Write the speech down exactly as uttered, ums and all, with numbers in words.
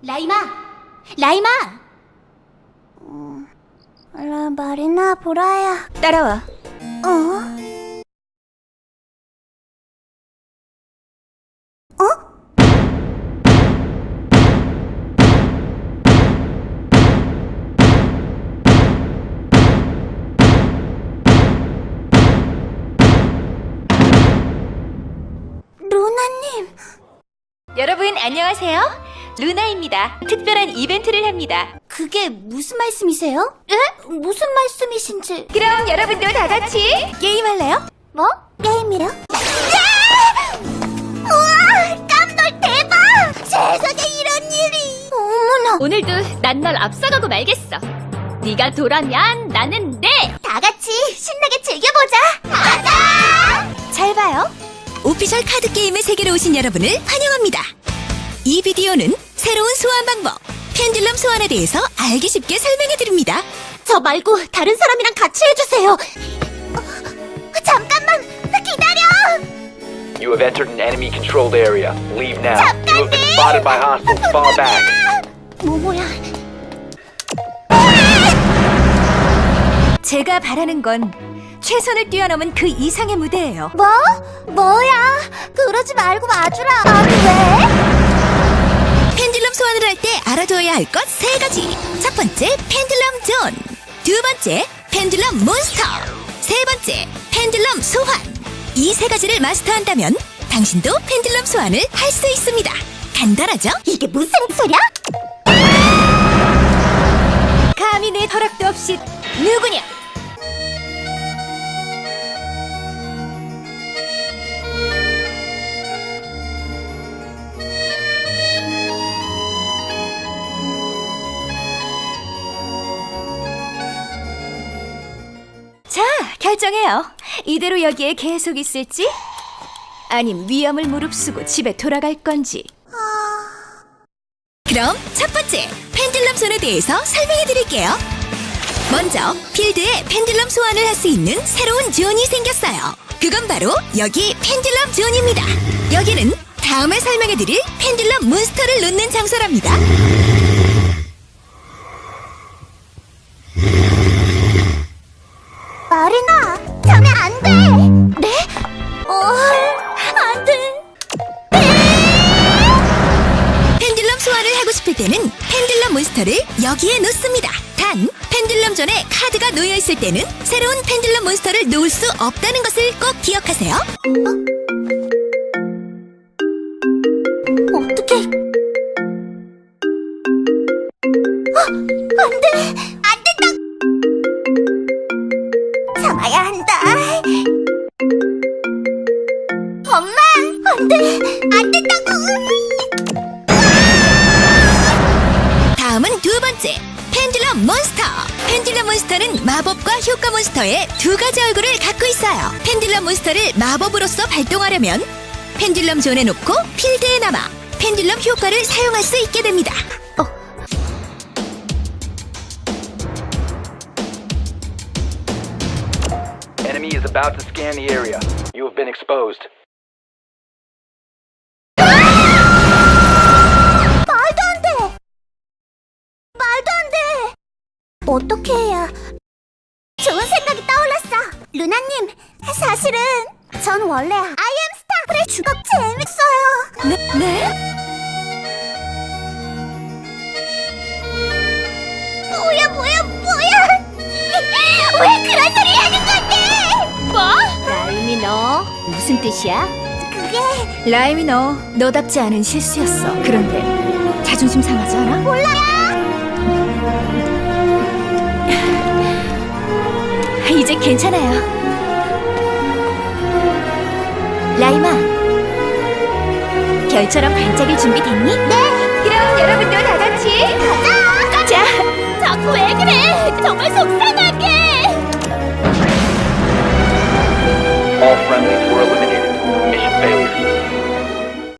라이마! 라이마! 음, 라, 마리나, 보라야. 따라와. 어? 어? 루나님. 여러분 안녕하세요. 루나입니다. 특별한 이벤트를 합니다. 그게 무슨 말씀이세요? 에? 무슨 말씀이신지. 그럼 여러분도 다 같이 게임할래요? 뭐? 게임이요? 우와! 깜놀 대박! 세상에 이런 일이! 어머나! 오늘도 난 널 앞서가고 말겠어. 네가 도라면 나는 네! 다 같이 신나게 즐겨보자! 가자! 잘 봐요. 오피셜 카드 게임의 세계로 오신 여러분을 환영합니다. 이 비디오는 새로운 소환 방법, 펜듈럼 소환에 대해서 알기 쉽게 설명해드립니다. 저 말고 다른 사람이랑 같이 해주세요. 어, 잠깐만! 기다려! You have entered an enemy-controlled area. Leave now. You have been spotted by hostiles. Fall back. 모모야. 제가 바라는 건 최선을 뛰어넘은 그 이상의 무대예요. 뭐? 뭐야? 그러지 말고 와주라. 아니 왜? 펜듈럼 소환을 할 때 알아두어야 할 것 세 가지. 첫 번째, 펜듈럼 존. 두 번째, 펜듈럼 몬스터. 세 번째, 펜듈럼 소환. 이 세 가지를 마스터한다면 당신도 펜듈럼 소환을 할 수 있습니다. 간단하죠? 이게 무슨 소리야? 감히 내 허락도 없이 누구냐? 자, 결정해요. 이대로 여기에 계속 있을지? 아님 위험을 무릅쓰고 집에 돌아갈 건지. 그럼 첫 번째, 펜듈럼 손에 대해서 설명해 드릴게요. 먼저, 필드에 펜듈럼 소환을 할 수 있는 새로운 존이 생겼어요. 그건 바로 여기 펜듈럼 존입니다. 여기는 다음에 설명해 드릴 펜듈럼 몬스터를 놓는 장소랍니다. 마리나, 자면 안 돼. 네? 어, 안 돼. 펜듈럼 소환을 하고 싶을 때는 펜듈럼 몬스터를 여기에 놓습니다. 단, 펜듈럼 존에 카드가 놓여 있을 때는 새로운 펜듈럼 몬스터를 놓을 수 없다는 것을 꼭 기억하세요. 어떡해? 어, 안 돼. 안 된다. 참아야 한다. 엄마, 안 돼. 안 된다고. 다음은 두 번째, 펜듈럼 몬스터. 펜듈럼 몬스터는 마법과 효과 몬스터의 두 가지 얼굴을 갖고 있어요. 펜듈럼 몬스터를 마법으로서 발동하려면 펜듈럼 존에 놓고 필드에 남아 펜듈럼 효과를 사용할 수 있게 됩니다. 어. Enemy is about to scan the area. You have been exposed. 말도 안 돼. 말도 안 돼. 어떻게 해야? 좋은 생각이 떠올랐어. 루나님, 사실은 전 원래 아이엠 스타프의 주걱 재밌어요. 네? 네? 뭐야 뭐야 뭐야? 왜 그런 소리 하는 건데? 뭐? 라임이 너 무슨 뜻이야? 그게 라임이 너 너답지 않은 실수였어. 그런데 자존심 상하지 않아? 몰라요. 이제 괜찮아요. 라임아, 별처럼 반짝일 준비 됐니? 네. 그럼 여러분도